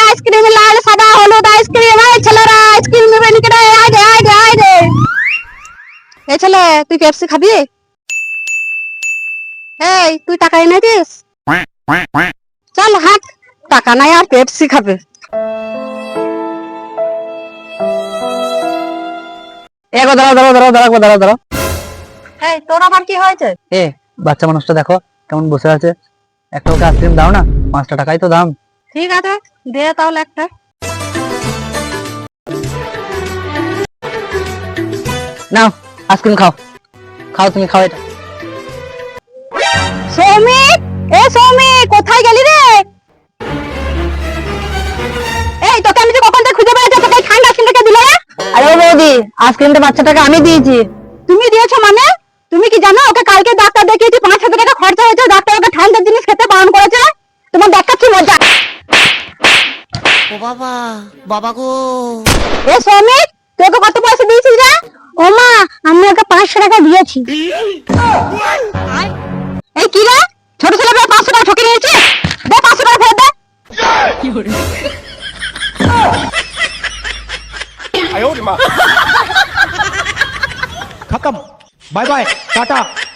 Ice cream লাল সাদা হলুদ ice cream. এই ছেলেরা আইসক্রিম নেবে নাকি রে? আয় রে আয় রে আয় রে। এই ছেলে তুই পেপসি খাবি? এই তুই টাকা এনেছিস? চল হাট, টাকা নাই আর পেপসি খাবে। এগো দাঁড়াও দাঁড়াও দাঁড়াও দাঁড়াও দাঁড়াও দাঁড়াও। এই তোর আবার কি হয়েছে? এ বাচ্চা মানুষটা দেখো কেমন বসে আছে, একটা ওকে আইসক্রিম দাও না, 5টা টাকাই তো দাম। ঠিক আছে দে তাহলে একটা। নাও আইসক্রিম খাও, খাও তুমি খাও এটা। সৌমিক, এ সৌমিক কোথায় গেলি রে? এই তোকে আমি যে কখন থেকে খুঁজে বেড়াচ্ছি, তোকে এই ঠান্ডা আইসক্রিমটা কে দিল রে? আরে ও বৌদি, আইসক্রিমটা বাচ্চাটাকে আমি দিয়েছি। তুমি দিয়েছো মানে? তুমি কি জানো ওকে কালকে ডাক্তার দেখিয়েছি, 5,000 টাকা খরচা হয়েছে, ডাক্তার ওকে ঠান্ডা জিনিস খেতে বারণ করেছে। তোমার দেখাচ্ছি মজা। ও বাবা, বাবা গো। এ সৌমিক, তুই ওকে কত পয়সা দিয়েছিস রে? ও মা, আমি ওকে 500 টাকা দিয়েছি। এই কি রে, ছোট ছেলে মেয়ে 500 টাকা ঠকে নিয়েছে? দে 500 টাকা ফেরত দে। खत्म, बाय बाय, टाटा।